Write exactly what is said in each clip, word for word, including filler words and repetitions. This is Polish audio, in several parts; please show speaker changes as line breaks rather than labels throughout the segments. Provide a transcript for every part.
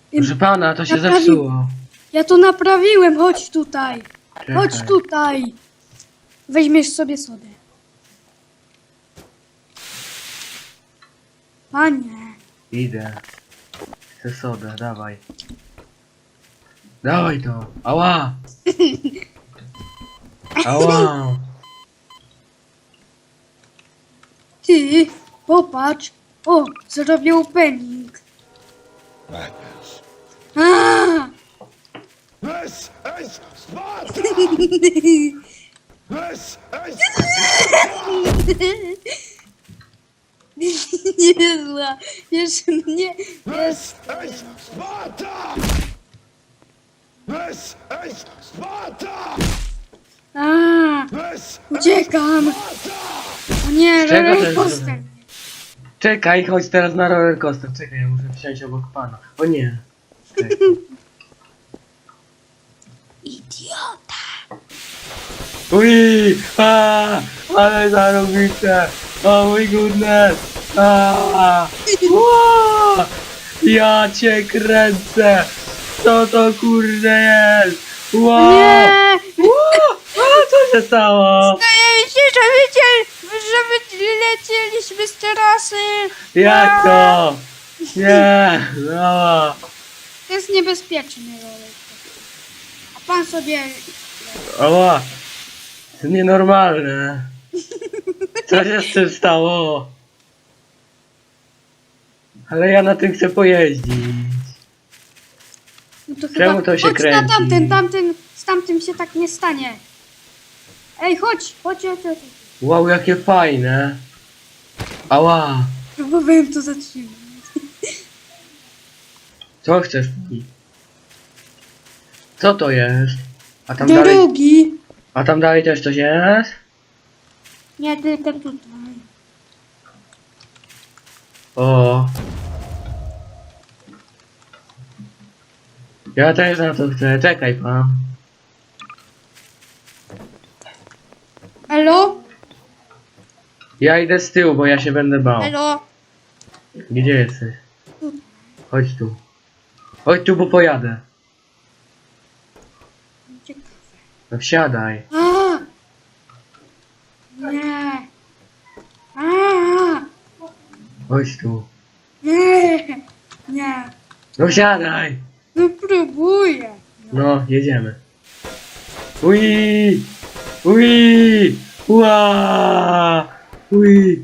Proszę pana, to się
Naprawi-
zepsuło.
Ja to naprawiłem, chodź tutaj.
Czekaj.
Chodź tutaj. Weźmiesz sobie sodę. Panie.
Idę. Chcę sodę, dawaj. Dawaj to. Ała! Ała!
Ty, popatrz. O, zrobię opening.
Madness.
A!
This is Sparta! This is
Niezła. Jeszcze mnie.
This is Sparta! This is Sparta!
A,
This
uciekam.
Sparta!
O nie,
Z czego to
roller
jest
coaster.
zrobione? Czekaj, chodź teraz na roller coaster. Czekaj, ja muszę wsiąść obok pana. O nie. Czekaj.
Idiota.
Ui! A, ale zarobicie! O mój goodness! A, ua, ja cię kręcę! Co to kurde jest? Wow!
Nie!
Ua, a, co się stało?
Zdaje mi się, że, wyciel, że wylecieliśmy z terasy.
Jak to? Nie! No!
To jest niebezpieczny roller. A pan sobie...
Ała! To nienormalne! Co się z tym stało? Ale ja na tym chcę pojeździć.
No to
Czemu
chyba...
to się
chodź
kręci?
na tamten, tamten, z tamtym się tak nie stanie. Ej, chodź, chodź, chodź, chodź.
Wow, jakie fajne! Ała!
Próbowałem to zatrzymać.
Co chcesz mi? Co to jest? A tam dalej...
Drogi.
A tam dalej też coś jest?
Nie, tylko tutaj.
O! Ja też na to chcę, czekaj pan.
Elo?
Ja idę z tyłu, bo ja się będę bał.
Elo?
Gdzie jesteś? Chodź tu. Chodź tu, bo pojadę. No wsiadaj.
A! Nie. A!
Chodź tu.
Nie. Nie.
No wsiadaj!
No próbuję.
No, jedziemy. Ui! Ui! Ua! Ui!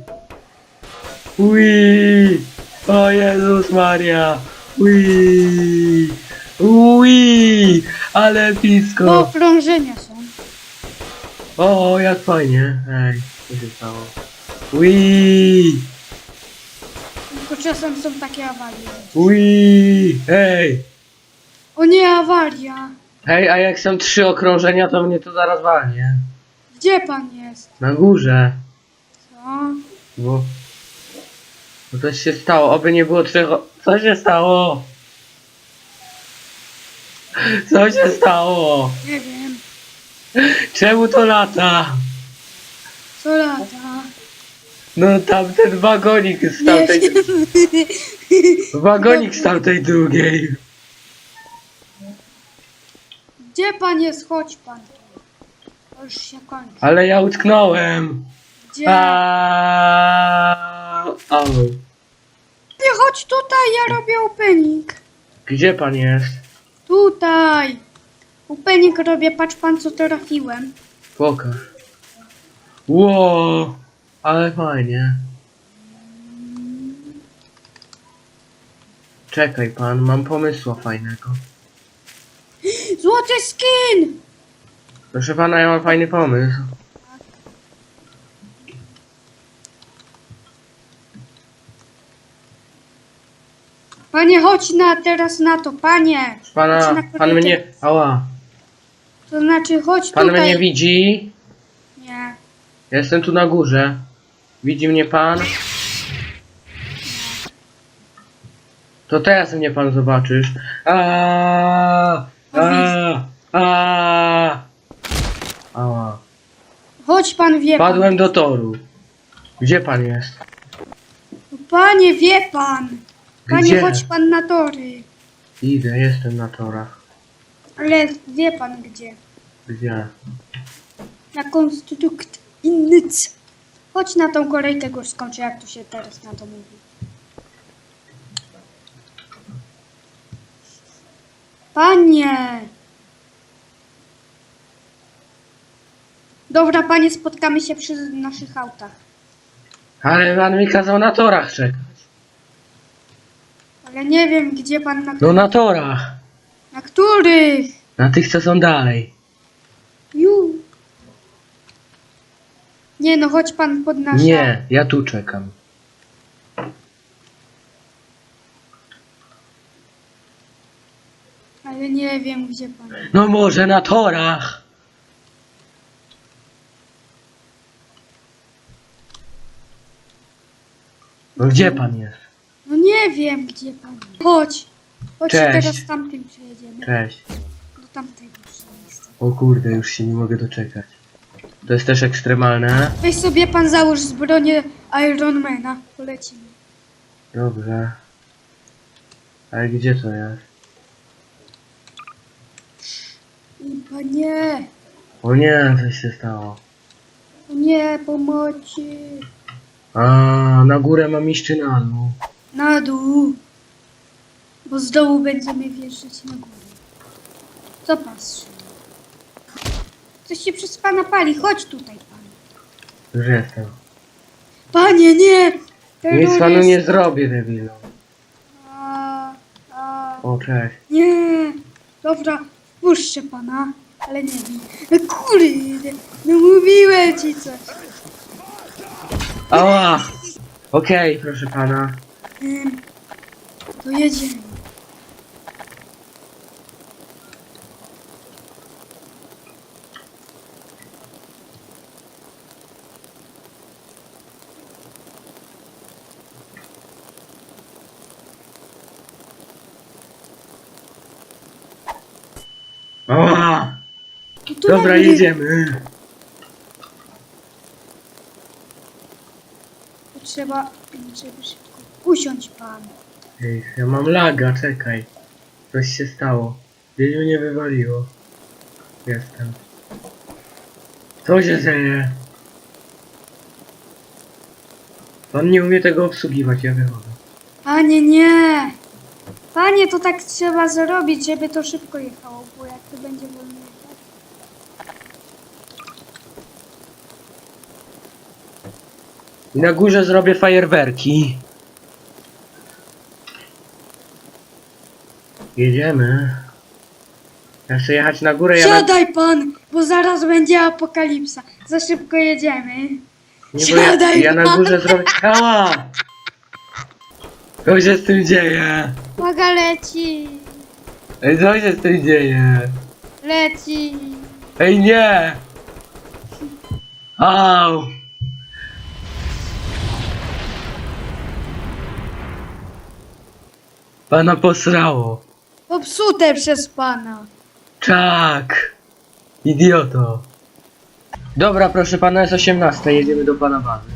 Ui! O Jezus Maria! Ui! Ui! Ale
Bo
blisko!
okrążenia są.
O, jak fajnie! Ej, co się stało? Ui!
Tylko czasem są takie awarie.
Ui! Ej!
O nie, awaria.
Hej, a jak są trzy okrążenia, to mnie to zaraz walnie.
Gdzie pan jest?
Na górze.
Co?
Bo... Bo coś się stało, oby nie było trzech... o- Co się stało? Co się stało?
Nie wiem.
Czemu to lata?
Co lata?
No tamten wagonik z
Nie
tamtej...
wiem.
Wagonik z tamtej drugiej.
Gdzie pan jest? Chodź pan. To już się kończy.
Ale ja utknąłem.
Gdzie?
Aaaa. Au.
Ty chodź tutaj, ja robię opening.
Gdzie pan jest?
Tutaj. Opening robię, patrz pan co trafiłem.
Pokaż. Ło, ale fajnie. Czekaj pan, mam pomysła fajnego.
Złoty skin!
Proszę pana, ja mam fajny pomysł.
Panie, chodź na teraz na to, panie.
Pana,
Chodź na
pan
korytarz.
mnie... Ała.
To znaczy, chodź
Pan
tutaj.
mnie widzi?
Nie.
Ja jestem tu na górze. Widzi mnie pan? To teraz mnie pan zobaczysz. Aaaa! Aaaa! Aaaa! Ała.
Chodź pan, wie pan.
Padłem do toru. Gdzie pan jest?
Panie, wie pan. Panie,
Gdzie?
chodź pan na tory.
Idę, jestem na torach.
Ale wie pan gdzie?
Gdzie?
Na konstrukt innyc. Chodź na tą kolejkę górską, czy jak tu się teraz na to mówi. Panie! Dobra, panie, spotkamy się przy naszych autach.
Ale pan mi kazał na torach czekać.
Ale nie wiem, gdzie pan na...
No na torach.
Na których?
Na tych, co są dalej.
Ju. Nie no, chodź pan pod nasze...
Nie, ja tu czekam.
Ale nie wiem, gdzie pan...
No może na torach. No gdzie pan jest?
No nie wiem, gdzie pan... Chodź. Chodź,
Cześć.
teraz tamtym przejedziemy.
Cześć.
Do tamtego miejsca.
O kurde, już się nie mogę doczekać. To jest też ekstremalne.
Weź sobie pan załóż zbronię Ironmana. Polecimy.
Dobrze. Ale gdzie to jest?
I panie,
O nie, coś się stało.
o nie, pomocy.
A, na górę mam iść czy na dół?
Na dół. Bo z dołu będziemy wjeżdżać na górę. Co pan strzela? Coś się przez pana pali. Chodź tutaj, pan.
Już jestem.
Panie, nie!
Nic panu
Terrorysta.
nie zrobię, debilu.
A, a,
O, cześć.
nie! Dobra, puszczę pana, ale nie wiem. No kurde, no mówiłem ci coś.
Ała! Okej, proszę pana.
Ym, to jedziemy.
Ała!
No to
Dobra,
na mnie.
jedziemy.
To trzeba, żeby szybko usiądź pan.
Ej, ja mam laga, czekaj. Coś się stało. Gdzieś mnie wywaliło. Jestem. Co się dzieje? Pan nie umie tego obsługiwać, ja wychodzę.
Panie, nie! Panie, to tak trzeba zrobić, żeby to szybko jechało, bo jak to będzie wolno jechać.
I na górze zrobię fajerwerki. Jedziemy. Ja chcę jechać na górę, ja na...
Siadaj pan, bo zaraz będzie apokalipsa. Za szybko jedziemy.
Nie, bo ja,
Siadaj
ja na
pan.
górze zrobię... Ała! Co się z tym dzieje?
Uwaga, leci!
Ej, co się z tym dzieje?
Leci!
Ej, nie! Au! Pana posrało.
Popsute przez pana.
Tak! Idioto. Dobra, proszę pana, jest osiemnasta, jedziemy do pana bazy.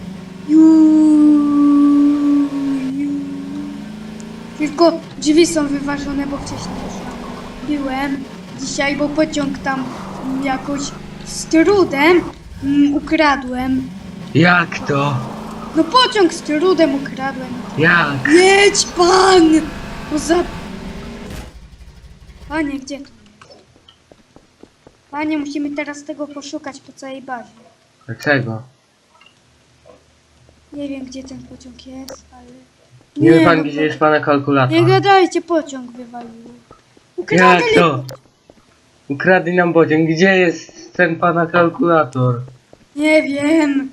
Juuu, juuu. Tylko drzwi są wyważone, bo wcześniej już tam byłem dzisiaj, bo pociąg tam mm, jakoś z trudem mm, ukradłem.
Jak to?
No pociąg z trudem ukradłem.
Jak?
Jedź pan! Poza... Panie, gdzie to jest? Panie, musimy teraz tego poszukać po całej bazie.
Dlaczego?
Nie wiem, gdzie ten pociąg jest, ale...
Nie wie pan,
no,
gdzie jest pana kalkulator?
Nie gadajcie, pociąg wywaliło.
Jak
Ukradli...
to? Ukradli nam pociąg. Gdzie jest ten pana kalkulator?
Nie wiem.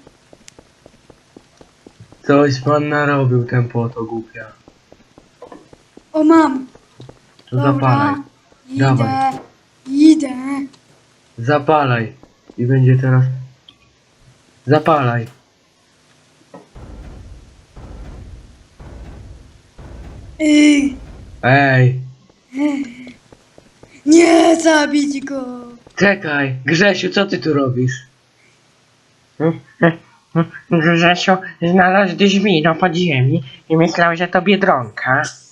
Coś pan narobił, ten poto głupia.
O, mam.
To zapalaj.
Idę.
Dawaj.
Idę.
Zapalaj. I będzie teraz... Zapalaj.
Ej,
Ej.
nie zabić go.
Czekaj. Grzesiu, co ty tu robisz? Grzesiu, znalazł drzwi na podziemi i myślał, że to Biedronka.